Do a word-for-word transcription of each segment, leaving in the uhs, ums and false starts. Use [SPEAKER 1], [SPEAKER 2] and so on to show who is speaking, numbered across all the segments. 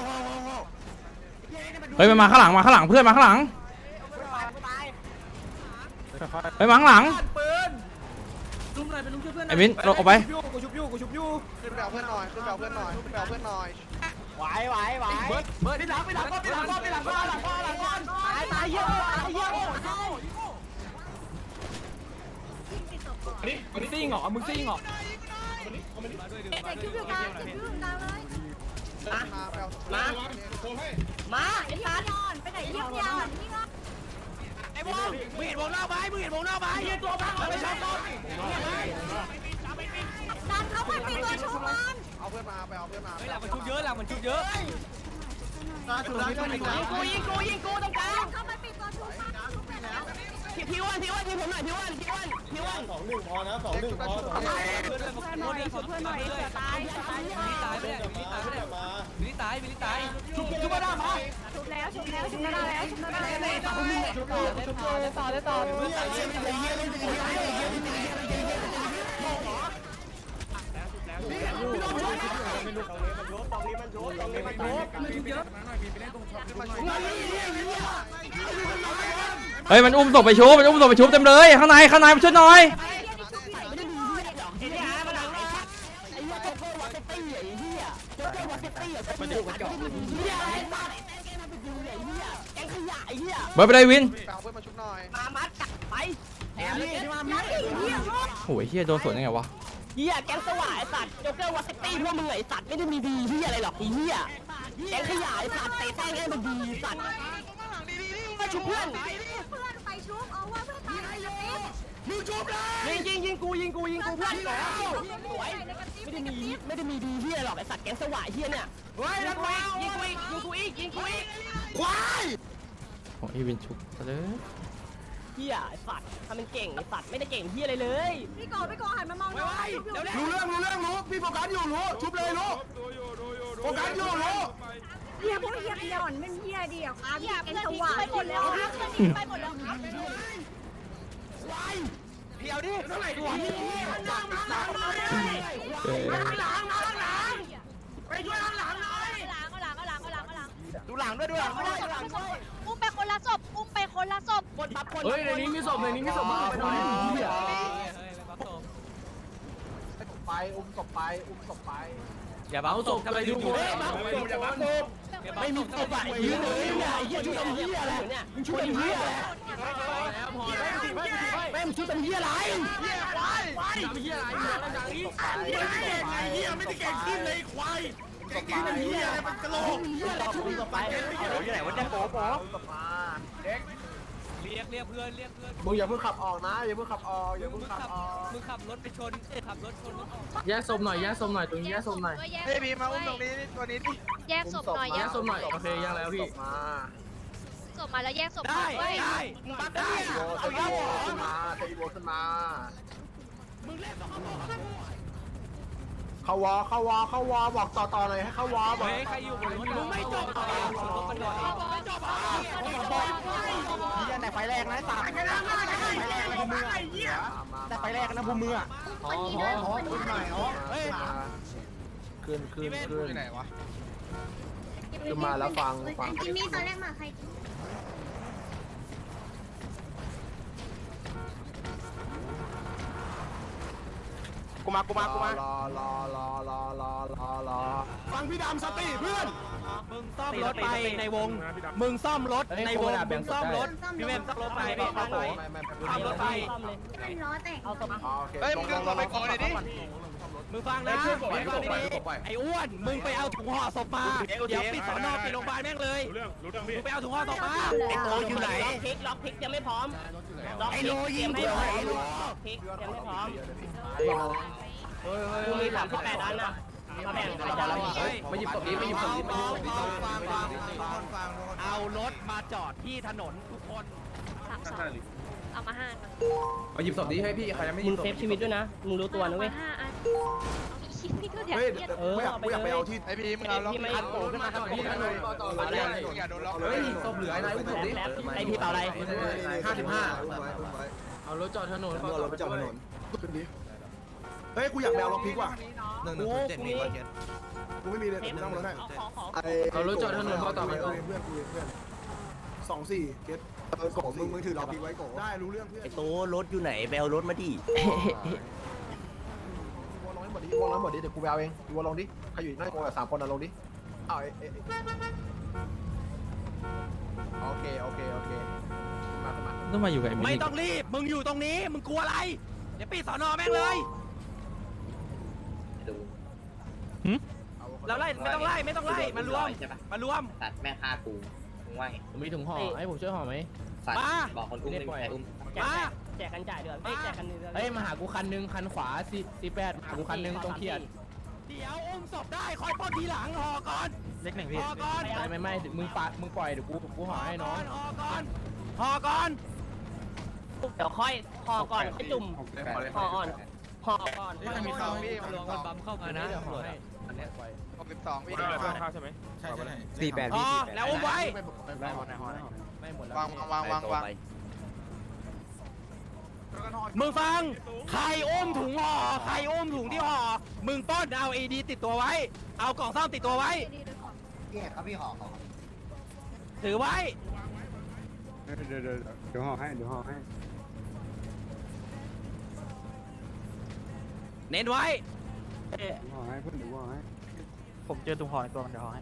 [SPEAKER 1] เฮ้ยมันมาข้างหลังมาข้างหลังเพื่อนมาข้างหลังไปมาข้างหลังไอ้มิ้นลงออกไป
[SPEAKER 2] กูชุบยูกูชุบยูขึ้นไปเอาเพื่อนหน่อยขึ้นไปเอาเพื่อนหน่อยขึ้นไปเอาเพื่อนหน่อย
[SPEAKER 3] ไหวไหวไหวเบิร์ดเบิร์ดที่หลังไปหลังก้อนไปหลังก้อนไปหลังก้อนหลังก้อนหลังก้อนตายตายเยอะตายเยอะมึงซิ่งเหรอมึงซิ่งเหรอ
[SPEAKER 4] แต่คิวอยู่กลางคิวอยู่กลางเลย
[SPEAKER 2] มาไปเอา
[SPEAKER 3] มามาไอ้สัตว์
[SPEAKER 4] ย้อนไปไหนเยี่ยมยอนนี่ก็
[SPEAKER 3] ไอ้วงมึงเห็นวงนอกไหมมึงเห็นวงนอกไหมยืนตัวบังเอาไปชนต้น
[SPEAKER 4] ดันเขาไปปีตัวชูมัน
[SPEAKER 2] เอาเพื่อนมาไปเอาเพื่อนมา
[SPEAKER 3] หลังมันชุบเยอะหลังมันชุบเยอะ
[SPEAKER 2] ถูกแล้วถูกแล้ว
[SPEAKER 3] กูยิงกูยิงกูตรงกลาง
[SPEAKER 4] เขาไปปีตัวชูมันชูไปแล้ว
[SPEAKER 3] พี่พี่วันพี่วันพี่ผมหน่อยพี่วันพี่วันพี่วัน
[SPEAKER 2] สองหนึ่งพอนะสองหนึ่งพอ
[SPEAKER 3] เพื่อนหน่อยเพื่อนหน่อยเสือตายเสือตาย
[SPEAKER 2] ตายไปแล้วตายไปแล้วมา
[SPEAKER 3] วิลิตายวิลิตายชุบชุบมาได้มา
[SPEAKER 4] ชุบแล้วชุบแล้วชุบแล้วชุบแล้วชุบแล้ว
[SPEAKER 3] ชุบต่อเลยต่อเลยต่อ
[SPEAKER 1] เฮ้ยมันอุ้มศพไปชุบมันอุ้มศพไปชุบเต็มเลยข้างในข้างในมาช่วยหน่อย
[SPEAKER 3] ไม่ได้มีเหี้ยหรอกไอ้เหี้ยมันดังเลยไอ้เหี้ยโจ๊กเกอร์วอเตตี้ไอ้เหี้ยโจ๊กเกอร์วอเตตี้อ่ะมันอยู่กันก่อนเหี้ยไอ้สัตว์ไอ้แกมันไปดูไอ้เหี้ยแกงขยะไอ้เหี้ย
[SPEAKER 1] เบิร์ดไปได้วิน
[SPEAKER 2] ไปเอาเพื่อนมาชุบหน่อย
[SPEAKER 3] มามัดจับไปแถมนี่ที่มามีเหี้ย
[SPEAKER 1] โอ้ยเฮียโดนสวนยังไงวะ
[SPEAKER 3] เหี้ยแกงสว่างไอ้สัตว์โจ๊กเกอร์วอเตตี้พวกมึงไอ้สัตว์ไม่ได้มีดีเหี้ยอะไรหรอกไอ้เหี้ยแกงขยะไอ้สัตว์เตะแป้งให้มันดีสัตว์มาชุบเพื่อน
[SPEAKER 4] เพื่อนไปชุบเอาว่าเพื่อนตายในกระติ๊บ
[SPEAKER 3] มึงชุบเลยยิงยิงยิงกูยิงกูยิงกูเพื่อนสวยไม่ได้มีไม่ได้มีดีเหี้ยหรอกไอ้สัตว์แกงสว่างเหี้ยเนี่ยเฮ้ยยิงกูอีกยิงกูอีกยิงกูอีกยิงกูอีกควาย
[SPEAKER 1] โอ้ยวินชุบซะเลย
[SPEAKER 3] เหี้ยไอ้สัตว์ทำเป็นเก่งไอ้สัตว์ไม่ได้เก่งเหี้ยอะไรเลย
[SPEAKER 4] พี่โกพี่โกหันมามองน้องชุบอยู่
[SPEAKER 2] รู้เรื่องรู้เรื่องรู้พี่โฟกัสอยู่รู้ชุบเลยรู้โฟกัสอยู่รู้
[SPEAKER 4] เฮียพวกเฮียหย่อนเป็นเฮียดีอ่ะครับเฮียเป็นสว่างไปหมดแล้วครับเพื่อนหนีไปหมดแล้วครับ
[SPEAKER 3] เดี๋ยวดิเท่าไหร่ดูอ่ะ
[SPEAKER 1] เอ้ย
[SPEAKER 3] ไปช่วยหลังหลังหน่อย
[SPEAKER 4] ล้างก็ล้างก็ล้างก็ล้างก็ล้าง
[SPEAKER 3] ดูหลังด้วยดูหลังด้วยดูหลังด้วย
[SPEAKER 4] อุ้มไปคนละศพอุ้มไปคนละศพ
[SPEAKER 3] คนทับคน
[SPEAKER 5] เฮ้ยในนี้มีศพในนี้มีศพมึงไปหน่อย
[SPEAKER 2] ไปอุ้มศพไปอุ้มศพไป
[SPEAKER 5] อย่าบังศพทำไมดูกู
[SPEAKER 2] อย่าบังศพ
[SPEAKER 3] ไม่มีตัวใหญ่เหี้ยเลยไอ้เหี้ยชุดเป็นเหี้ยอะไรเนี่ยมึงชุดเป็นเหี้ยอะไรแม่งชุดเป็นเหี้ยอะไรเหี้ยอะไรเหี้ยอะไรเหี้ยอะไรเหี้ยไม่ได้เก่งขึ้นเลยควายเก่งขึ้นเป็นเหี้ยอะไรมันกระโหลกเหี้ยอะไรชุดต่อไปเดี๋ยวอยู่ไหนวะเนี่ยโป๊ะโป๊ะ
[SPEAKER 2] เด็ก
[SPEAKER 5] เรียกเรียกเพื่อนเรียกเพื่อน
[SPEAKER 2] มึงอย่าเพิ่งขับออกนะอย่าเพิ่งขับออกอย่า
[SPEAKER 5] มึ
[SPEAKER 2] เพิ่
[SPEAKER 5] ง
[SPEAKER 2] งขับ
[SPEAKER 5] ขับ
[SPEAKER 2] ออก
[SPEAKER 5] มึงขับรถไปชนเอ้ยขับรถชนรถออก
[SPEAKER 6] แยกศพหน่อยแยกศพหน่อยตรงนี้แยกศพหน่อย
[SPEAKER 4] เฮ้ยบีมาอุ้มตรงนี้
[SPEAKER 2] ตัวนี้ดิ
[SPEAKER 4] แยกศพหน่อย
[SPEAKER 6] แยกศพหน่อยโอเคแยกแล้วพี่
[SPEAKER 2] มา
[SPEAKER 4] ศพมาแล้วแยกศพ
[SPEAKER 5] ได้
[SPEAKER 4] ด้วย
[SPEAKER 5] ได้มึงปั๊บได้
[SPEAKER 2] เอาอีโวขึ้นมาเอาอีโวขึ้นมา
[SPEAKER 5] มึงเล่นต้องเขาบอก
[SPEAKER 2] เข้าวอเข้าวอเข้าวอบอกต่อต่อเลยให้เข้าวอบอก
[SPEAKER 5] เฮ้ยใครอยู่บนรถมึงไม่จบอ่ะรถมันหน่อยไม่จบอ่ะ
[SPEAKER 2] ยี่แต่ไฟแรกนะสามไฟแรกนะภูมิไอ้เหี้ยแต่ไฟแรกนะภูมิอ่ะ
[SPEAKER 4] อ๋ออ๋ออ๋อ
[SPEAKER 2] ขึ้นหน่อยอ๋อเฮ้ยขึ้นขึ้นขึ้นไหนวะขึ้นมาแล้วฟังฟัง
[SPEAKER 4] จิมมี่ตอนแรกมาใคร
[SPEAKER 2] กูมากูมากูมารอรอรอรอรอรอรอฟังพี่ดำสติเพื่อน
[SPEAKER 5] มึงซ่อมรถไปในวงมึงซ่อมรถในวงมึงซ่อมรถพี่เวมซ่อมรถไปพี่ซ่อมรถซ่อมรถไป
[SPEAKER 4] มันล้อแตกเอาศพ
[SPEAKER 2] เฮ้ยมึงดึงเราไปก่อนเลยดิ
[SPEAKER 5] มึงฟังนะมึงฟังดีๆไอ้อ้วนมึงไปเอาถุงห่อศพมาเดี๋ยวปิดสอนอปิดโรงพยาบาลแม่งเลยมึงไปเอาถุงห่อศพมา
[SPEAKER 4] ไอ้โต
[SPEAKER 3] อยู่ไหนล็อกพลิกล็อกพลิกยังไม่พร้อมไอ้โลยิงเดียวไอ้โลพลิกยังไม่พร้อมกูมีสามสิบแปดอันนะมาแบ่งกันจะเรา
[SPEAKER 6] มาหยิบศพนี้มาหยิบศพนี้มาหยิบศพนี้
[SPEAKER 5] เอารถมาจอดที่ถนนทุกคน
[SPEAKER 4] สามสองเอามาห้า
[SPEAKER 6] มาหยิบศพนี้ให้พี่ใครยังไม่ห
[SPEAKER 3] มึ
[SPEAKER 6] ยิ
[SPEAKER 3] ง
[SPEAKER 6] บศพ
[SPEAKER 3] เซฟชีวิตด้วยนะมึงรู้ตัวนะเว้ย
[SPEAKER 4] ห้าอันมีชิ้นนี่ก็เดี๋ยว
[SPEAKER 2] เฮ้ย
[SPEAKER 3] เออ
[SPEAKER 2] ไม่อยาก
[SPEAKER 3] เอาไป
[SPEAKER 2] ไม่อยากไป
[SPEAKER 3] เลย
[SPEAKER 2] เอาที่ไอพีมึงเอาล็อก
[SPEAKER 3] พี่ไม่
[SPEAKER 2] อันโผล่ขึ้นมาครับพี่นะต่อต่อเลยอย่าโดนล็อกเล
[SPEAKER 6] เฮ้
[SPEAKER 2] ย
[SPEAKER 6] ยศพเหลือไอ้นายอุ้มศพดิ
[SPEAKER 3] แล้วไอพี่เป่าอะไร
[SPEAKER 6] ห้าสิบห้าเอารถจอดถนน
[SPEAKER 2] เอารถไปจอดถนนขึ้นดิเฮ้ยกูอยากไปเอาล็อกพิกว่ะ
[SPEAKER 3] หนึ่งหนึ่งศูนย์เจ็ดมีวันเย็น
[SPEAKER 2] กูไม่มีเลยกูนั่งรถได้
[SPEAKER 3] ขอขอ
[SPEAKER 6] เอารถจอดถนนมาต่อไป
[SPEAKER 2] เพื่อนเพื่อนเพื่อนสองสี่เก็ตเออโกมึงมึงถือล็อกพิกไว้โกได้รู้เรื่องเพื่อน
[SPEAKER 3] ไอโตรถอยู่ไหนไปเอารถมาดิ
[SPEAKER 2] วอลลงให้หมดดิวอลลงให้หมดดิเดี๋ยวกูไปเอาเองวอลลงดิใครอยู่หน้าโกสามคนอ่ะลงดิเอาเอโอเคโอเคโอเคมาขึ้นมา
[SPEAKER 1] ต้องมาอยู่กับไอ้มิ
[SPEAKER 5] ไม่
[SPEAKER 1] นิ
[SPEAKER 5] ต้องรีบมึงอยู่ตรงนี้มึงกลัวอะไรเดี๋ยวปิดสอนอแม่งเลยเราไล่ไม่ต้องไล่ไม่ต้องไล่มารวมมารวม
[SPEAKER 7] สัตว์แม่ฆ่ากูมึงว่าไง
[SPEAKER 6] ผมมีถุงห่อให้ผมช่วยห่อไหม
[SPEAKER 7] สัตว์
[SPEAKER 5] มา
[SPEAKER 7] บอกคนอุ้มไม่มีใครอุ้ม
[SPEAKER 3] แจกแจกกันจ่ายเดือนไม่แจกกันเดือน
[SPEAKER 6] เฮ้ยมาหากูคันนึงคันขวาสี่สี่แปดมาหากูคันนึงตรงเขียน
[SPEAKER 5] เดี๋ยวอุ้มศพได้คอยป้อนทีหลังห่อก่อน
[SPEAKER 1] เล็กหนึ่งพี่
[SPEAKER 5] ห่อก่อน
[SPEAKER 6] ไม่ไม่ไม่มึงปะมึงปล่อยเดี๋ยวกูกูห่อให้น้อง
[SPEAKER 5] ห่อก่อนห่อก่อน
[SPEAKER 3] เดี๋ยวค่อยห่อก่อนให้จุ่มห่ออ่อนห่อก่อน
[SPEAKER 2] มีข่าวพี่
[SPEAKER 5] ลองมันบัมเข้ามานะ
[SPEAKER 6] เดี๋ยวห่อให้อันเนี้ยปล่อย
[SPEAKER 2] หกสิบสองพี่
[SPEAKER 1] สี่แปด
[SPEAKER 5] ห่อแล้วอุ้มไว้
[SPEAKER 6] ไม่หมดไม่หมดแล้ว
[SPEAKER 2] วางวางวางวาง
[SPEAKER 5] มึงฟังใครอุ้มถุงห่อใครอุ้มถุงที่ห่อมึงป้อนเอาเอดีติดตัวไว้ เอากล่องซ่อมติดตัวไว้
[SPEAKER 7] พี่ครับพี่หอขอ
[SPEAKER 5] ถือไว้
[SPEAKER 8] เดี๋ยวเดี๋ยวเดี๋ยวห่อให้เดี๋ยวห่อให้
[SPEAKER 5] เน้นไว้
[SPEAKER 8] ห่อให้เพื่อนเดี๋ยวห่อให้
[SPEAKER 1] ผมเจอตุ่มห่อในตัวมันเดี๋ยวห่อให้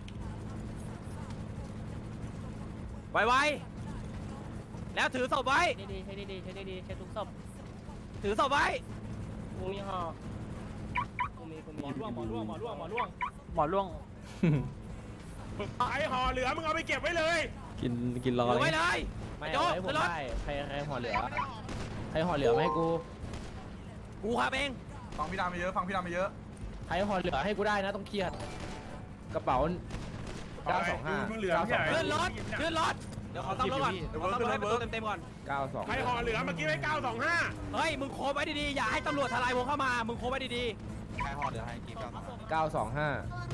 [SPEAKER 5] ไวๆแล้วถือศพไว้
[SPEAKER 3] ดีๆใช้ดีๆใช้ดีๆใช้ทุกศพ
[SPEAKER 5] ถือศพไว้
[SPEAKER 3] กูมีห่อกูมีกูมี
[SPEAKER 5] ร่วงหมอร่วงหมอร่วงหมอร่วง
[SPEAKER 1] หมอล่วง
[SPEAKER 8] ไอห่อเหลือมึงเอาไปเก็บไว้เลย
[SPEAKER 1] กินกินรอ
[SPEAKER 5] ถือ
[SPEAKER 1] เล
[SPEAKER 5] ไว้
[SPEAKER 1] ย
[SPEAKER 5] เลย
[SPEAKER 6] ไม่
[SPEAKER 5] โจ๊
[SPEAKER 6] เอา
[SPEAKER 5] ก
[SPEAKER 6] ให้ผม
[SPEAKER 5] ขึ้นรถ
[SPEAKER 6] ได้ใครใครห่อเหลือใครห่อเหลือมาให้กู
[SPEAKER 5] กูขับเอง
[SPEAKER 2] ฟังพี่ดำไปเยอะฟังพี่ดำไปเยอะ
[SPEAKER 6] ใครห่อเหลือให้กูได้นะต้องเครียดกระเป๋าเก้าสองห้า
[SPEAKER 8] มึงเหลือไม่ใช่
[SPEAKER 5] ขึ้นรถขึ้นรถเดี๋ยวขอซ่อมรถก่อนขอซ่อมรถให้ประตูเต็มๆก่อน
[SPEAKER 6] เก้าสอง
[SPEAKER 8] ใครห่อเหลือเมื่อกี้ไว้เก้าสองห้า
[SPEAKER 5] เฮ้ยมึงโคบไว้ดีๆอย่าให้ตำรวจทลายวงเข้ามามึงโคบไว้ดี
[SPEAKER 2] ใครห่อเดี๋ยวให้กินกัน
[SPEAKER 6] เก้าสองห้า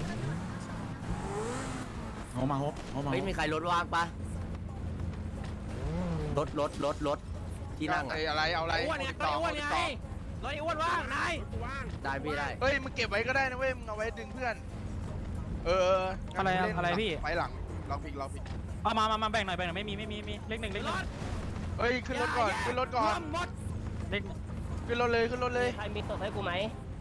[SPEAKER 3] ไม่มีใครรถว่างปะรถรถรถรถที่นั่ง
[SPEAKER 2] อะไรเอาอะไร
[SPEAKER 5] ๆอ้วนเนี่ยก็อ้วนไงรถไอ้อ้วนว่างนาย
[SPEAKER 3] ได้พี่ได้
[SPEAKER 2] เฮ้ยมึงเก็บไว้ก็ได้นะเว้ยมึงเอาไว้ดึงเพื่อน เออไปหลังล็อกพิกล็อกพิก
[SPEAKER 1] มามามามาแบ่งหน่อยแบ่งหน่อยไม่มีไม่มีไม่มีเล็กหนึ่งเล็กห
[SPEAKER 5] ร
[SPEAKER 1] นึ่ง
[SPEAKER 5] ถ
[SPEAKER 2] เฮ้ยขึ้นรถก่อนขึ้นรถก่อน
[SPEAKER 5] รวมหมด
[SPEAKER 1] เล็ก
[SPEAKER 2] ขึ้นรถเลยขึ้นรถเลย
[SPEAKER 3] ใครมีศพให้กูไหม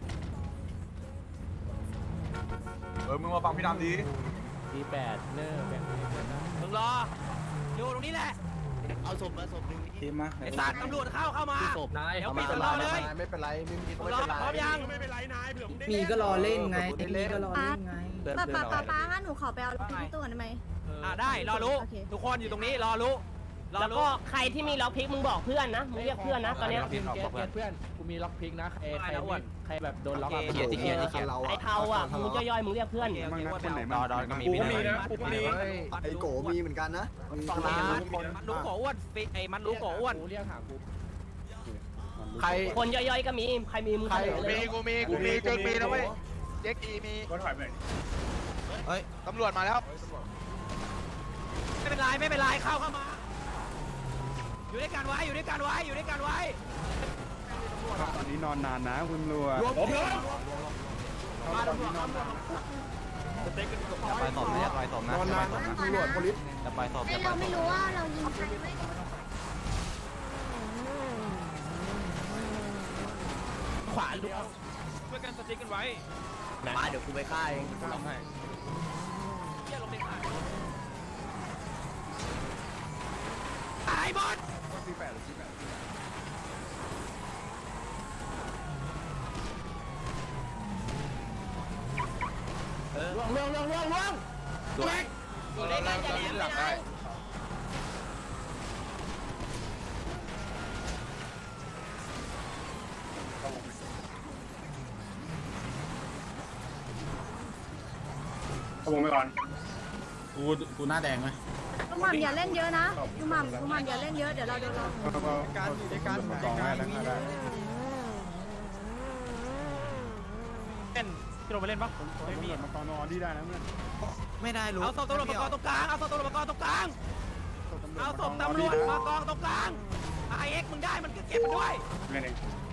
[SPEAKER 2] เออมึงมาฟังพี่ดำดี
[SPEAKER 6] สี่แปดเนอร์แบ่ง
[SPEAKER 5] มึงรออยู่ตรงนี้แหละ
[SPEAKER 3] เอาศพมาศพหนึ่ง
[SPEAKER 8] ทีมมา
[SPEAKER 5] ไอ้สัตว์ตำรวจเข้าเข้ามา
[SPEAKER 3] ศพนาย
[SPEAKER 5] เดี๋ยวปิดสอนอเลย
[SPEAKER 2] ไม่เป็นไรไม่มี
[SPEAKER 5] มึ
[SPEAKER 2] ไม่
[SPEAKER 5] งรอ
[SPEAKER 2] เป็นไร
[SPEAKER 5] พร้อมยัง
[SPEAKER 8] ไม่เป็นไรนายเผื่อมึงได้
[SPEAKER 9] มีก็รอเล่นไงมีก็รอ
[SPEAKER 4] ป้า
[SPEAKER 9] เล่นไง
[SPEAKER 4] ป้าป้าป้าป้างั้นหนูขอไปเอารถที่ตัวได้ไหม
[SPEAKER 5] อ่าได้รอรู้
[SPEAKER 4] โอเค
[SPEAKER 5] ทุกคนอยู่ตรงนี้รอรู้
[SPEAKER 3] แล้วก็ใครที่มีล็อกพิกมึงบอกเพื่อนนะมึงเรียกเพื่อนนะตอนเนี้ย
[SPEAKER 6] เกียร์เกียร์เพื่อนกูมีล็อกพิกนะใครใครใครแบบโดนล็อก
[SPEAKER 5] เกียร์เกียร์เกียร์
[SPEAKER 3] ไอ้เทาอ่ะมึงย่อยๆมึงเรียกเพื่อน
[SPEAKER 8] มั่งนะคนไหน
[SPEAKER 5] ด
[SPEAKER 8] มั่
[SPEAKER 5] อง ดอก็มี
[SPEAKER 8] กูก็มีนะกูก็มี
[SPEAKER 7] ไอโกมีเหมือนกันนะ
[SPEAKER 5] ฟังนะมันรู้ขออ้วนไอ้มันรู้ขออ้วน
[SPEAKER 6] กูเรียกหากู
[SPEAKER 2] ใคร
[SPEAKER 3] คนย่อยๆก็มีใครมีมึงเสนอเลย
[SPEAKER 2] กูมีกูมีเจ๊กมีนะเว้ยเจ๊กอีมี
[SPEAKER 8] ก็ถอยไป
[SPEAKER 2] เฮ้ยตำรวจมาแล้ว
[SPEAKER 5] ไม่เป็นไรไม่เป็นไรเข้าเข้ามาอยู่ด้วยกันไว้อยู่ด้วยกันไว้อยู่ด้วยกันไว้
[SPEAKER 8] ตอนนี้นอนนานนะคุณตำรวจผมเลยตอนนี้นอนนาน
[SPEAKER 5] จะไปสอบนะจะไปสอบนะ
[SPEAKER 7] นอนนานตำรวจโพลิส
[SPEAKER 5] จะไปสอบ
[SPEAKER 4] ไอ
[SPEAKER 5] จะไป
[SPEAKER 4] เรา
[SPEAKER 5] ส
[SPEAKER 4] ไม่
[SPEAKER 5] อบ
[SPEAKER 4] รู้ว่าเรายิงใครไม่
[SPEAKER 5] ขวาลุกช่วยกันสติ๊กกันไว้
[SPEAKER 2] มาเดี๋ยวกูไปฆ่าเอง
[SPEAKER 5] ลงให้เยี่ยลงไปขาตายหมด
[SPEAKER 2] ล่วงล่วงล่วงล่วงล่วง
[SPEAKER 3] อยู่ด้วยกันจะแหลมไม่ได้
[SPEAKER 8] ขบวนไปก่อน
[SPEAKER 7] กูกูหน้าแดงไหม
[SPEAKER 4] ลุงหม่ำอย่าเล่นเยอะนะลุงหม่ำลุงหม่ำอย่าเล่นเยอะเดี๋ยวเราโดนเรา
[SPEAKER 8] การอยู่ในการสองได้แล้วได้
[SPEAKER 5] เล่นที่เราไปเล่นปะไม่มี
[SPEAKER 8] มาตอนนอนที่ได้นะเพื่อน
[SPEAKER 2] ไม่ได้รู้
[SPEAKER 5] เอาศพตำรวจมากองตรงกลางเอาศพตำรวจมากองตรงกลางเอาศพตำรวจมากองตรงกลางไอเอ็กมึงได้มันก็เก็บมันด้วย
[SPEAKER 8] เล่นเอง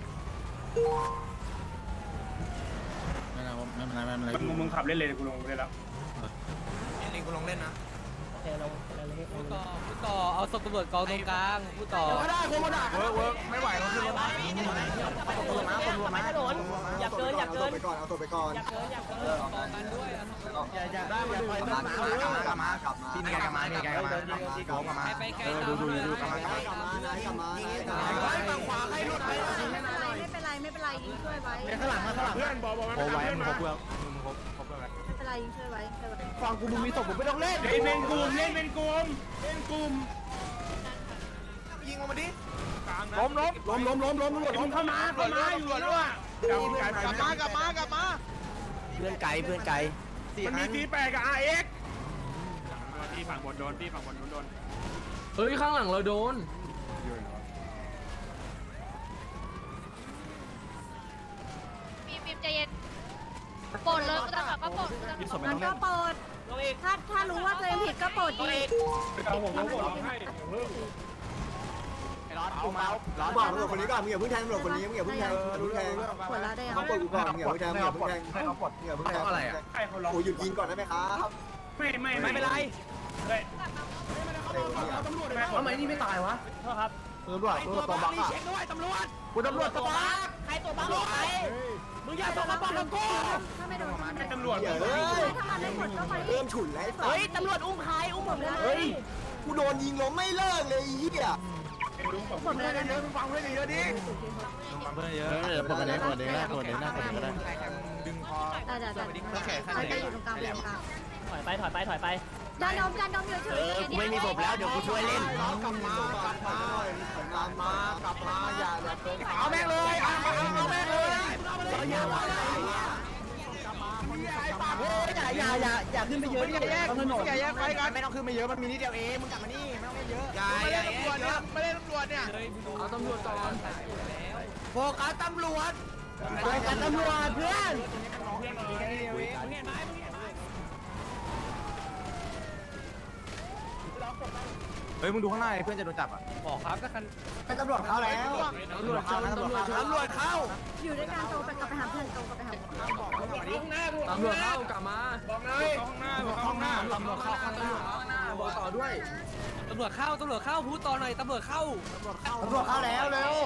[SPEAKER 7] ไม่เป็นไรไม่เป็นไรไม่เป็นไร
[SPEAKER 8] มึงมึงขับเล่นเลยกูลงเล่นแล้ว
[SPEAKER 2] นี่กูลงเล่นนะ
[SPEAKER 3] โอเคลงเลยเลย
[SPEAKER 5] พูดต่อพูดต่อเอาศพตำรวจกองตรงกลางพูดต่อ
[SPEAKER 2] ก็ได้กูก็ได้เวิร์กเวิร์กไม่ไหวแล้วขึ้นรถมาคนรวมมาคนรวมมา
[SPEAKER 3] ถนนอย่าเกินอย่าเกิน
[SPEAKER 7] ไปก่อนเอาตัวไปก่อน
[SPEAKER 3] อย่าเกินอย่าเกิน
[SPEAKER 5] กันด้วย
[SPEAKER 2] อย่าอย่าได้มาเลยกลับมากลับมากลับมาพี่นี่กลับมานี่กลับมาพี่โก้กลับมา
[SPEAKER 5] ไปไกล
[SPEAKER 2] ดูดูดูกลับมาก
[SPEAKER 7] ลับมากลับมากลับมา
[SPEAKER 2] ฝั่งขวาให้รถไป
[SPEAKER 4] ไม่เป็นไรไม่เป็นไรไม่เป็นไรยิงช่วยไว้ไม่
[SPEAKER 2] ข้างหลังมาข้างหลัง
[SPEAKER 8] เพื่อนบอกบอก
[SPEAKER 5] โอ้ไว้
[SPEAKER 8] เพื่อน
[SPEAKER 5] มึง
[SPEAKER 8] มา
[SPEAKER 5] ครบเพื่อนมึงครบครบเพื่อน
[SPEAKER 4] เป็นไรยิงช่วยไว้ช่วยไว้
[SPEAKER 2] ฝั่งกูมึงมีศพผมไม่ต้องเล่น
[SPEAKER 8] เล่นเป็นกลุ่มเล่นเป็นกลุ่มเล่นกลุ่ม
[SPEAKER 2] ยิงมันมาดิ
[SPEAKER 8] ล้มล้มล้มล้มล้มล้มตำรวจเข้ามาเข้ามาอยู่แล้วอ่ะกลับมากลับมากลับมา
[SPEAKER 2] เพื่อนไกลเพื่อนไกล
[SPEAKER 8] มันมีทีแปดกับอาร์เอ็กพี่ฝั่งบนโดนพี่ฝั่งบนโดน
[SPEAKER 6] เฮ้ยข้างหลังเราโดน
[SPEAKER 10] มีมีใจเย็นปลดเลยกูจะขับก็ปลด
[SPEAKER 4] มันก็โปรดถ้าถ้ารู้ว่าตัวเองผิดก็โปรดดี
[SPEAKER 8] เอาผมผมบอกให้
[SPEAKER 2] ร้อนเอาเมาส์ร้อน
[SPEAKER 7] บอกตำรวจคนนี้ก่อนมึงอย่าเพิ่งแทงตำรวจคนนี้มึงอย่าเพิ่งแทงอย่าเพิ่งแทง
[SPEAKER 4] ปวดแล้วได้ยัง
[SPEAKER 7] เขาปลดกูก่อนมึงอย่าเพิ่งแทงมึงอย่าเพิ่งแทงมึงอย่าเพิ่งแทงอะไรอ่ะ
[SPEAKER 8] ให้เขาล็อก
[SPEAKER 7] โอ้หยุดยิงก่อนได้ไหมครับ
[SPEAKER 8] ไม่ไม่
[SPEAKER 5] ไม่เป็นไร
[SPEAKER 2] ทำไมนี่ไม่ตายวะ
[SPEAKER 3] โทษครับ
[SPEAKER 7] ตำรวจตำรวจตัวบังอ่ะ
[SPEAKER 5] เช็คด้วยตำรวจ
[SPEAKER 2] กูตำรวจตัวบัง
[SPEAKER 3] ใครตัวบ้าบอกใคร
[SPEAKER 5] มึงอย่าส่งมาบอกกับกู
[SPEAKER 4] ถ้าไม่โดนถ้าไม่
[SPEAKER 8] ตำรวจ
[SPEAKER 7] เฮ้ย
[SPEAKER 4] ถ้ามันไม่หมดก็ไป
[SPEAKER 7] เริ่มฉุนแล้ว
[SPEAKER 3] เฮ้ยตำรวจอุ้มใครอุ้มผมเลย
[SPEAKER 7] เฮ้ยกูโดนยิงล้มไม่เลิกเลยเฮีย
[SPEAKER 4] หมดเลยนะ
[SPEAKER 2] เดินฟังเพื่อนเยอะดิ
[SPEAKER 5] เพื่อนเยอะ
[SPEAKER 7] เดี๋ยวปกติปกตินะปกตินะปกติก็ได้
[SPEAKER 2] ดึงคอ
[SPEAKER 4] ได้ได้ได้ใครจะอยู่ตรงกลางเป็นตรงกลาง
[SPEAKER 3] ถอยไปถอยไปถอยไป
[SPEAKER 4] จานดมจานดมอยู่เฉย
[SPEAKER 2] กูไม่มีศพแล้วเดี๋ยวกูช่วยเล่น
[SPEAKER 7] กลับมากลับมากลับมากลับมาอย่าอย่าเพิ่ง
[SPEAKER 2] เอาแม่งเลยเอาเอาแม่งเลยอย่าอย่าอย่าอย่าขึ้นไปเยอะอย่าแยกอย่าแยกไปกันไม่ต้องขึ้นไปเยอะมันมีนิดเดียวเองมึงกลับมานี่ไม่ต้องเล่นเยอะอย่าอย่าตำรวจเนี่ยไม่เล่นตำรวจเนี่ย
[SPEAKER 6] เอาตำรวจก่อน
[SPEAKER 2] โฟกัสตำรวจโฟกัสตำรวจเพื่อน
[SPEAKER 5] เฮ้ยมึงดูข้างหน้าเพื่อนจะโดนจับอ่ะบอกครับถ้าคัน
[SPEAKER 7] ตำรวจเข้าแล้ว
[SPEAKER 2] ตำรวจเข้าตำรวจเข้าตำรวจเข้า
[SPEAKER 4] อยู่ด้วยกันโตไปกลับไปหาเพื่อนโตกลับไปหา
[SPEAKER 6] ตำรวจเข้ากลับมา
[SPEAKER 8] บอกเลยห้องหน้าห้องหน้า
[SPEAKER 6] ตำรวจเข้าข้างหน้าข้างหน้าบอกต่อด้วย
[SPEAKER 5] ตำรวจเข้าตำรวจเข้าพูดต่อหน่อยตำรวจเข้า
[SPEAKER 7] ตำรวจเข้าแล้วเร็ว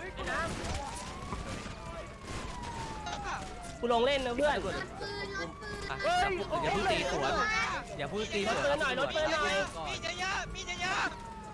[SPEAKER 3] กูลงเล่นนะเพื่อน
[SPEAKER 5] เฮ้ยอย่าพูดตีสวนอย่าพูดตีสวน
[SPEAKER 3] รถเตือนหน่อยรถเตือนหน่อย
[SPEAKER 5] มีเยอะมีเยอะ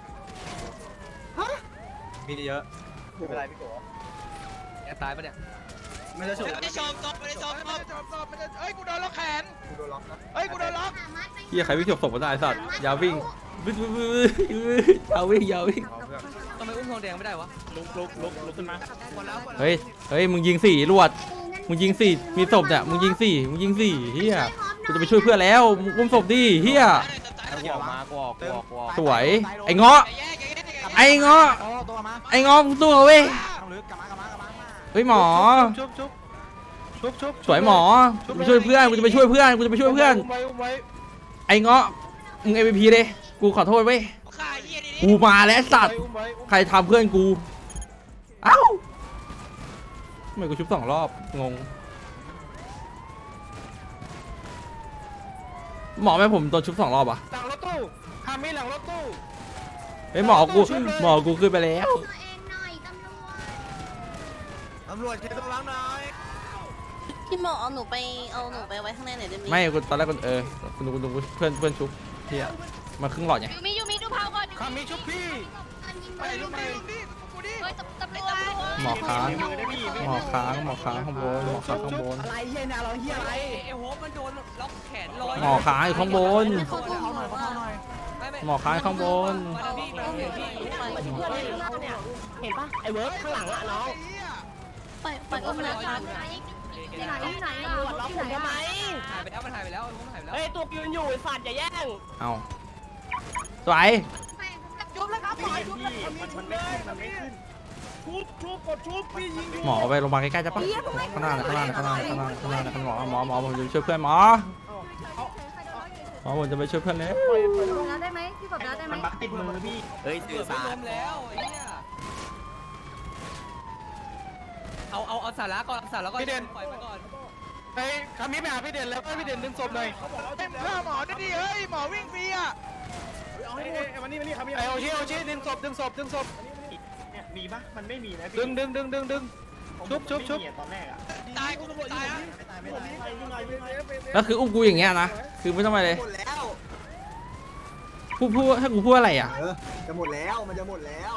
[SPEAKER 5] มีเยอะ
[SPEAKER 7] ไม่เป็นไรพี่โก
[SPEAKER 5] แกตายปะเนี่ย
[SPEAKER 7] ไม่ได้ชม
[SPEAKER 5] ไม่ได้ชมตบไม่ได้ชมตบ
[SPEAKER 2] จบจบไม่ได้เอ้ยกูโดนล็อกแขน
[SPEAKER 7] กูโดนล็อกนะ
[SPEAKER 2] เอ้ยกูโดนล็อก
[SPEAKER 1] เฮียใครวิ่งจบศพก็ได้สัตว์อย่าวิ่งบึ้บึ้บึ้เอาวิ่งเอาวิ่ง
[SPEAKER 5] ทำไมอุ้มทองแดงไม่ได้วะลุกลุกลุกลุกขึ้นมา
[SPEAKER 1] เฮ้ยเฮ้ยมึงยิงสี่ลวดมึงยิงสี่มีศพเนี่ยมึงยิงสี่มึงยิงสี่เฮียกูจะไปช่วยเพื่อนแล้วมึงอุ้มศพดิเฮีย
[SPEAKER 5] กูออกมากูออกกูออกกูออก
[SPEAKER 1] สวยไอ้เงาะไอ้เงาะ
[SPEAKER 2] โอ้ตัวมา
[SPEAKER 1] ไอ้เงาะตัวเว้ย
[SPEAKER 2] ต้องลึกกลับมากลับมากลับมา
[SPEAKER 1] เฮ้ยหมอ
[SPEAKER 6] ชุบชุบชุบชุบ
[SPEAKER 1] สวยหมอกูจะไปช่วยเพื่อนกูจะไปช่วยเพื่อนกูจะไปช่วยเพื่อน
[SPEAKER 6] ไว้ไว้
[SPEAKER 1] ไอ้เงาะมึง เอ็ม วี พี เลยกูขอโทษเว้ยกูมาแล้วสัตว์
[SPEAKER 6] ไว้
[SPEAKER 1] ใครทำเพื่อนกูเอ้าทำไมกูชุบสองรอบงงหมอแม่ผมโดนชุบสองรอบอ่ะ
[SPEAKER 6] หลังรถตู้ฮามิหลังรถตู้
[SPEAKER 1] เฮ้ยหมอกูหมอกูขึ้นไปแล้ว
[SPEAKER 4] ตัวเองหน่อยตำรวจ
[SPEAKER 2] ตำรวจเช็ดตัวล้างหน่อย
[SPEAKER 3] พี่หมอเอาหนูไปเอาหนูไปไว้ข้างในหน่อยได้ไหม
[SPEAKER 1] ไม่กูตอนแรกกูเออกูดูกูดูเพื่อนเพื่อนชุบเฮียมาครึ่งหลอดไง
[SPEAKER 10] ยูมิยูมิดูพาวก่อน
[SPEAKER 6] ฮามิชุบพี่
[SPEAKER 2] ไปลูกไปลูกดิกูดิ
[SPEAKER 10] เฮ้ยตำรวจ
[SPEAKER 1] หมอค้างหมอค้างหมอค้างข้างบนหมอค้างข้างบน
[SPEAKER 2] อะไรเฮียเนี่ยเราเฮียอะไร
[SPEAKER 5] ไอ้โฮปมันโดนล็อกแขนลอย
[SPEAKER 1] หมอค้างอยู่ข้างบน
[SPEAKER 3] เขาอุ้มหนูว่า
[SPEAKER 1] หมอค้างข้างบน
[SPEAKER 5] มาพี่มาพี่
[SPEAKER 3] เห็นปะไอ้เวิร์กข้างหลังอะน้องไปไปอุ้มนะ
[SPEAKER 4] ที่ไหนที่ไหนอ่ะที่ไหนอ่ะ
[SPEAKER 5] หายไปแล้วมันหายไปแล้วมันหายไปแล้ว
[SPEAKER 3] เฮ้ยตัวยืนอยู่ไอ้สัตว์อย่าแย่ง
[SPEAKER 1] เอาสวย
[SPEAKER 4] จุ๊บแล้วครับหมอจุ๊บแล้ว
[SPEAKER 8] ชุบชุบกดชุบพี่ยิงอยู่
[SPEAKER 1] หมอไปโรงพยาบาลใกล้ๆจะปะข้างหน้าข้างหน้าข้างหน้าข้างหน้าข้างหน้าข้างหน้าหมอหมอหมอผมจะไปช่วยเพื่อนหมอหมอผมจะไปช่วยเพื่อนแล้ว
[SPEAKER 4] ลงน้ำได้ไหมพี่กดน้ำได้ไหม
[SPEAKER 2] ติดมือพี่เฮ้ย
[SPEAKER 5] เกือบไม่ล้มแล้วไอ้เนี่ยเอาเอาเอาสาระก่อนสาระก่อนปล่อยไปก่อน
[SPEAKER 6] ไปฮามิไปหาพี่เด่นแล้วก็พี่เด่นดึงศพหน่อย
[SPEAKER 2] เต็มข้าหมอได้ดิเฮ้ยหมอวิ่งฟรีอ่ะ
[SPEAKER 8] เอาให้หมดวันนี้วันนี้ครับพี่
[SPEAKER 6] ไอโอชิโอชิดึงศพดึงศพดึงศพ
[SPEAKER 8] มีปะมันไม่มีนะ
[SPEAKER 6] ดึงดึงดึงดึงดึงชุบชุบชุบ
[SPEAKER 8] ตอนแรกอะ
[SPEAKER 5] ตายกูตำรวจตายอ่ะ
[SPEAKER 1] แล้วคืออุ้มกูอย่างเงี้ยนะคือไม่ต้องไปเลย
[SPEAKER 7] หมดแล้ว
[SPEAKER 1] พูดพูดให้กูพูดอะไรอ่ะ
[SPEAKER 7] เออจะหมดแล้ว มันจะหมดแล้ว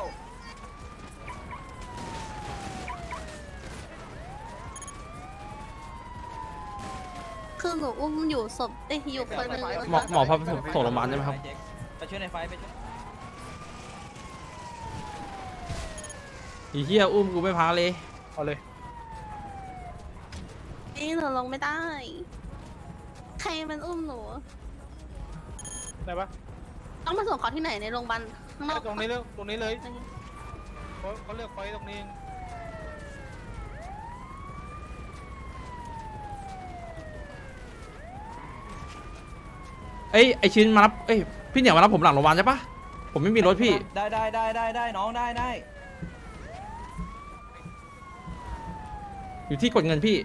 [SPEAKER 3] คือหนูอุ้มอยู่ศพเอ้ยอยู่คนหนึง
[SPEAKER 1] หมอหมอพาไปส่งโรงพยาบาลได้ไหมครับ
[SPEAKER 5] ไปช่วยในไฟไปช่วย
[SPEAKER 1] อีเหี้ยอุ้มกูไม่พักเลย
[SPEAKER 6] เอาเลย
[SPEAKER 3] นี่หนูลงไม่ได้ ใครมันอุ้มหนู
[SPEAKER 6] ได้ปะ
[SPEAKER 3] ต้องมาส่งเขาที่ไหนในโรงพยาบาลข้างนอก
[SPEAKER 6] ตรงนี้เลยตรงนี้เลยเขาเขาเลือกไฟตรงนี้
[SPEAKER 1] เอ้ยไอชิ้นมารับเอ้ยพี่เหนียวมารับผมหลังโรงพยาบาลใช่ปะผมไม่มีรถพี่
[SPEAKER 5] ได้ได้ได้ได้ได้น้องได้ได้
[SPEAKER 1] อยู่ที่กดเงินพี่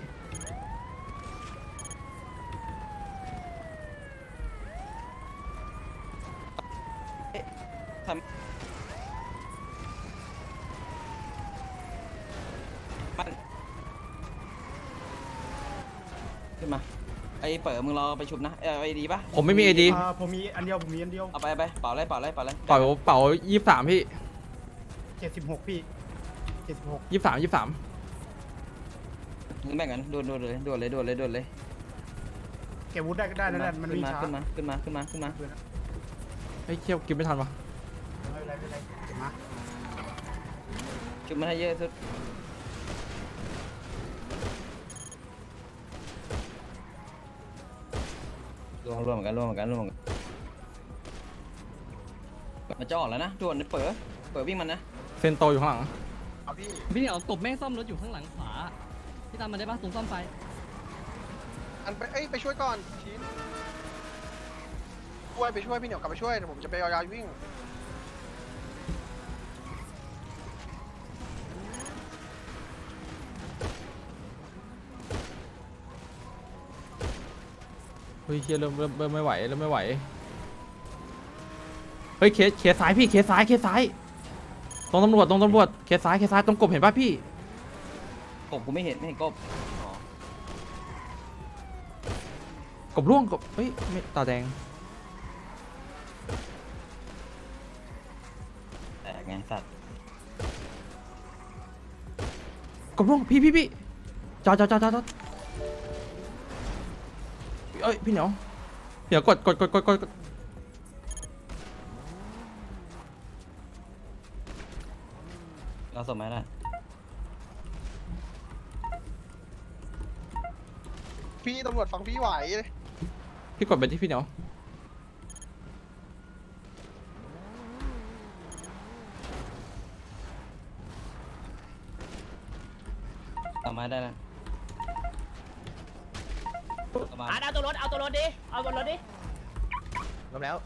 [SPEAKER 5] ขึ้นมาไอ้เปิดมึงรอไปชุบนะเออไอ้ดีป่ะ
[SPEAKER 1] ผมไม่มีไอดี
[SPEAKER 8] ผมมีอันเดียวผมมีอันเดียว
[SPEAKER 5] เอาไปไปเป่าเลยเป่าเลยเป่าเลย
[SPEAKER 1] เป่าเป่ายี่สามพี่
[SPEAKER 8] เจ็ดสิบหกพี่เจ็ดสิบหก
[SPEAKER 1] ยี่สามยี่สาม
[SPEAKER 5] มึงแบ่งกันด่วนด่วนเลยด่วนเลยด่วนเลยด่วนเลย
[SPEAKER 8] เก็บวุฒิได้ก็ได้นั่นแหละมัน
[SPEAKER 5] ขึ้น
[SPEAKER 8] มี
[SPEAKER 5] มา
[SPEAKER 8] ช้า
[SPEAKER 5] ขึ้นมาขึ้นมาขึ้นมาขึ้นมา
[SPEAKER 1] เฮ้ยเคี่ยวกินไม่ทันวะ
[SPEAKER 8] ไม่เป็นไรไม่เป็นไรเก็บมา
[SPEAKER 5] ชุบมันให้เยอะสุดรวมรวมเหมือนกันรวมเหมือนกันรวมเหมือนกันมันจะออกแล้วนะด่วนเปิดเปิดวิ่งมันนะ
[SPEAKER 1] เซนโตอยู่ข้างหลัง
[SPEAKER 2] เอาพี่
[SPEAKER 11] พี่เหนียวตบแม่งซ่อมรถอยู่ข้างหลังขวาพี่ตามมาได้ปะตรงซ่อมไฟ
[SPEAKER 2] อันไปเอ้ยไปช่วยก่อนชิ้นช่วยไปช่วยพี่เหนียวกลับไปช่วยเดี๋ยวผมจะไปเอายาวิ่ง
[SPEAKER 1] เฮ้ยเคียเริ่มเริ่มเริ่มไม่ไหวเริ่มไม่ไหวเฮ้ยเคสเคสซ้ายพี่เคสซ้ายเคสซ้ายตรงตำรวจตรงตำรวจเคสซ้ายเคสซ้ายตรงกบเห็นป่ะพี่
[SPEAKER 5] กบกูไม่เห็นไม่เห็นกบ
[SPEAKER 1] กบร่วงกบเฮ้ยไม่ตาแดง
[SPEAKER 5] แตกไงสัตว์
[SPEAKER 1] กบร่วงพี่พี่พี่จอดจอดจอดจอดเอ้ยพี่เหนียวเดี๋ยวกดกดกดกดกด
[SPEAKER 11] สมไหมล่ะ
[SPEAKER 2] พี่ตำรวจฟังพี่ไหว
[SPEAKER 1] พี่กดไปที่พี่เหนียว
[SPEAKER 11] ต่อมาได้แล้ว
[SPEAKER 3] อ่ะเอาตัวรถเอาตัวรถดิเอาบนรถดิ
[SPEAKER 2] ลบแล้ว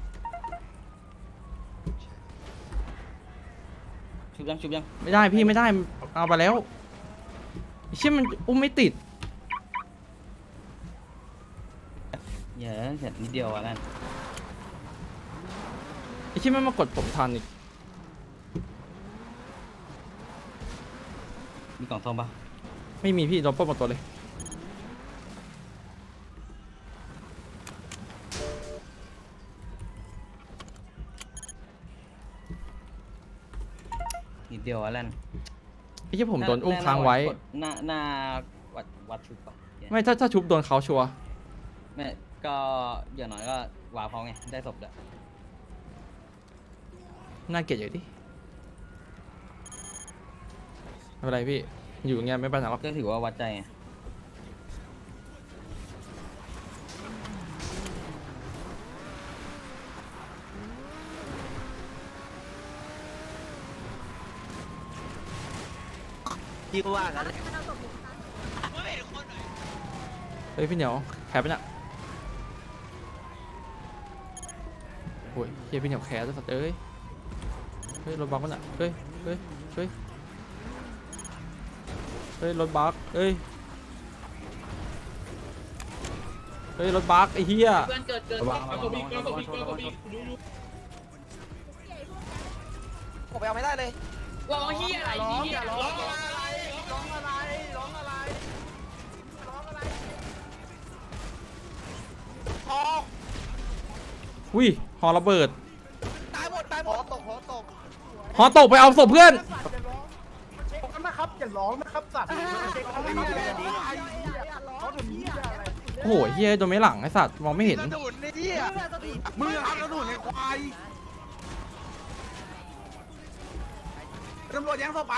[SPEAKER 11] ชุบยังชุบยัง
[SPEAKER 1] ไม่ได้พี่ไม่ได้เอาไปแล้วไอ้เชี่ยมันอุ้มไม่ติด
[SPEAKER 11] เยอะเสร็จนิดเดียวอ่ะนั่น
[SPEAKER 1] ไอ้เชี่ยมันมากดผมทันอีก
[SPEAKER 11] มีกล่องทองปะ
[SPEAKER 1] ไม่มีพี่โดนปล้นหมดตัวเลย
[SPEAKER 11] นิดเดียวอ่ะนั่น
[SPEAKER 1] ไอ้เชี่ยผมโดนอุ้มค้างไว้
[SPEAKER 11] หน้าหน้าวัดวัดชุบปะ
[SPEAKER 1] ไม่ถ้าถ้าชุบโดนเขาชัวร์
[SPEAKER 11] ไม่ก็อย่างน้อยก็วาเขาไงได้ศพเด้อ
[SPEAKER 1] น่าเกลียดอยู่ดิไม่เป็นไรพี่อยู่อย่างเงี้ยไม่ไปไหนหรอก
[SPEAKER 11] ก็ถือว่าวัดใจไง
[SPEAKER 2] พี่ก็ว่ากัน
[SPEAKER 1] เฮ้ยพี่เหนียวแคปไปเนี่ยโอ้ยเฮียพี่เหนียวแคปจะสัตว์เอ้ยเฮ้ยรถบักมันอ่ะเฮ้ยเฮ้ยเฮ้ยเฮ้ยรถบักเฮ้ยเฮ้ยรถบักไอ้เฮีย
[SPEAKER 3] เพื่อนเกิดเกิด
[SPEAKER 2] ผมไปเอาไม่ได้เลย
[SPEAKER 3] ร้องเฮียอะไรเฮียร้อง
[SPEAKER 2] ร้องอะไรร้องอะไรร้องอะไรทอง
[SPEAKER 1] อุ้ยหอระเบิด
[SPEAKER 2] ตายหมดตายหมดหอตกหอตก
[SPEAKER 1] หอตกไปเอาศพเพื่อน
[SPEAKER 2] นะครับอย่าร้องนะครับสัตว์เขาถึงนี้อะไร
[SPEAKER 1] โอ้โหเฮียโดนไม่หลังไอ้สัตว์มองไม่เห็น
[SPEAKER 2] กระดุนในที่อ่ะมือครับกระดุนในควายตำรวจยังเข้าไป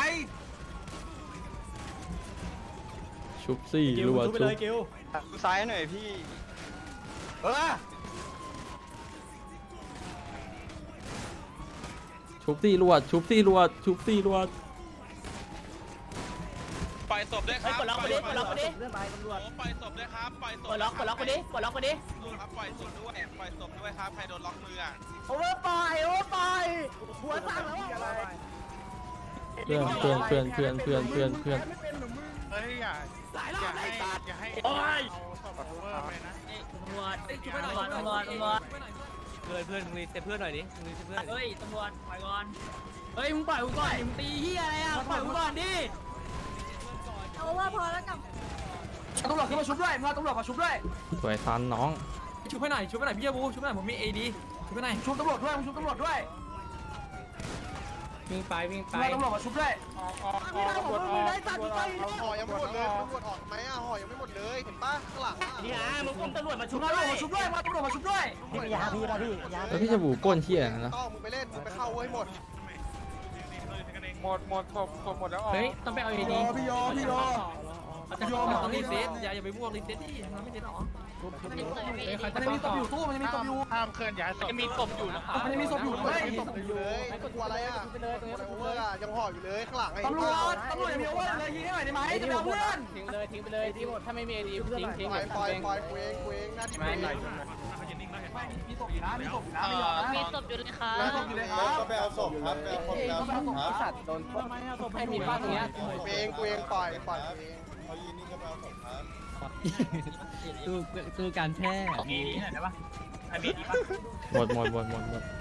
[SPEAKER 1] ชุบสี่รัวชุบ
[SPEAKER 2] ซ้ายหน่อยพี่เออ
[SPEAKER 1] ชุบสี่รัวชุบสี่รัวชุบสี่รัว
[SPEAKER 5] ปล่อยศพด้วยครับ
[SPEAKER 3] ปลดล็อกไปดิปลดล็อกไปดิ
[SPEAKER 5] ปล่อยศพด้วยครับปล่อยศ
[SPEAKER 3] ปลดล็อกปลดล็อกไปดิปลดล็อกไปดิ
[SPEAKER 5] ครับปล่อยศพด้วยปล่อยศพด้วยครับใครโดนล็อกมืออ่ะ
[SPEAKER 2] โอเวอร์ปล่อยโอเวอร์ปล่อยหัวสั่งแล้วอะไร
[SPEAKER 1] เพื่อนเพื่อนเพื่อนเพื่อนเพื่อนเพื่อนเพื่อน
[SPEAKER 5] เฮ้ยอย่า
[SPEAKER 3] หลายรอบเลยสัตว์
[SPEAKER 5] อย่าให้
[SPEAKER 3] โอ้ย
[SPEAKER 5] เอาศพโอเวอร์ไปนะ
[SPEAKER 3] ตำรวจตำรวจตำรวจตำรวจ
[SPEAKER 5] เพื่อนเพื่อนมึงรีเซ็ตเพื่อนหน่อยดิมึงรีเซ็ตเพื่อน
[SPEAKER 3] เฮ้ยตำรวจปล่อยก่อนเฮ้ยมึงปล่อยกูก่อนมึงตีเฮียอะไรอ่ะปล่อยกูก่อนดิ
[SPEAKER 4] โอเวอร์พอแล้วกับ
[SPEAKER 2] ตำรวจขึ้นมาชุบด้วยมาตำรวจมาชุบด้วย
[SPEAKER 1] สวยซันน้อง
[SPEAKER 6] ชุบให้หน่อยชุบให้หน่อยพี่ยาบูชุบให้หน่อยผมมีเอดีชุบให้หน่อย
[SPEAKER 2] ชุบตำรวจด้วยชุบตำรวจด้วย
[SPEAKER 6] วิ่งไปวิ่งไป
[SPEAKER 2] มาตำรวจมาชุบด้วย
[SPEAKER 7] พี่เราของมึงได้ตัดไปห่อยังไม่หมดเลยตำรวจออกไหมอ่ะห่อยังไม่หมดเลยเห็นปะข้างหลังอ่ะ
[SPEAKER 3] นี่ฮะมึงอุ้มตำรวจมาชุ
[SPEAKER 2] ชุ
[SPEAKER 3] บบ
[SPEAKER 2] ตำร
[SPEAKER 3] ด้
[SPEAKER 2] ว
[SPEAKER 3] ว
[SPEAKER 2] จ
[SPEAKER 3] ย
[SPEAKER 2] มาชุบด้วยมาตำรวจมาชุบด้วย
[SPEAKER 7] พี่ยาพี่นะพี่ยา
[SPEAKER 1] แล้วพี่จะบูก้นเฮียนะ
[SPEAKER 7] ต้องมึงไปเล่นมึงไปเข้าไว้หมด
[SPEAKER 8] หมดหมดศพศพหมดแล้วออก
[SPEAKER 6] เฮ้ยต้องไปเอาเอดี
[SPEAKER 2] พี่โยพี่โย
[SPEAKER 6] จะต้องรีเซ็ตอย่าอย่าไปบวกรีเซ็ตดิมันไม่เซ็ตหรอใคร
[SPEAKER 2] มั
[SPEAKER 6] จะ
[SPEAKER 2] น
[SPEAKER 6] ต้
[SPEAKER 2] มี
[SPEAKER 6] อง
[SPEAKER 2] ศ
[SPEAKER 6] ต่
[SPEAKER 2] พ
[SPEAKER 6] อ
[SPEAKER 2] อยู่ตู้มันมีศพอยู่
[SPEAKER 5] ห้ามเคลื่อนย้ายศพจะมีศพอยู่นะครับ
[SPEAKER 2] มันมีศพอยู่ด้วย
[SPEAKER 7] มีศพอยู่เลยกลัวอะไรอ่ะโอเวอร์อ่ะยังห่ออยู่เลยข้างหลังไอ้
[SPEAKER 2] ตำรวจตำรวจยังมีโอเวอร์เลยยิงให้หน่อยได้ไหมจะเอาเพื่อน
[SPEAKER 6] ทิ้งเลยทิ้งไปเลยทิ้งหมดถ้าไม่มีเอดีทิ้งทิ้ง
[SPEAKER 7] ปล่อยปล่อยปล่อยกูเองกูเองหน้าที่กูเอง
[SPEAKER 2] มีศพอยู่นะมีศพอยู่นะไม่ยอมนะ
[SPEAKER 10] มีศพอยู่เลยค่ะ
[SPEAKER 2] มีศพอยู่เลยครับ
[SPEAKER 7] ก็ไปเอาศพครับไปเอาคนไปเอาศพครับ
[SPEAKER 6] สัตว์โดนให้มีบ้านตรงเนี้ย
[SPEAKER 7] กูเองกูเองปล่อยปล่อยกูเองเอายีนี่ก็ไปเอาศพครับ
[SPEAKER 11] ตู้ตู้การแพทย์
[SPEAKER 5] มีที่ไหนได้ปะไอมีดีปะ
[SPEAKER 1] หมดหมดหมดหมดหมด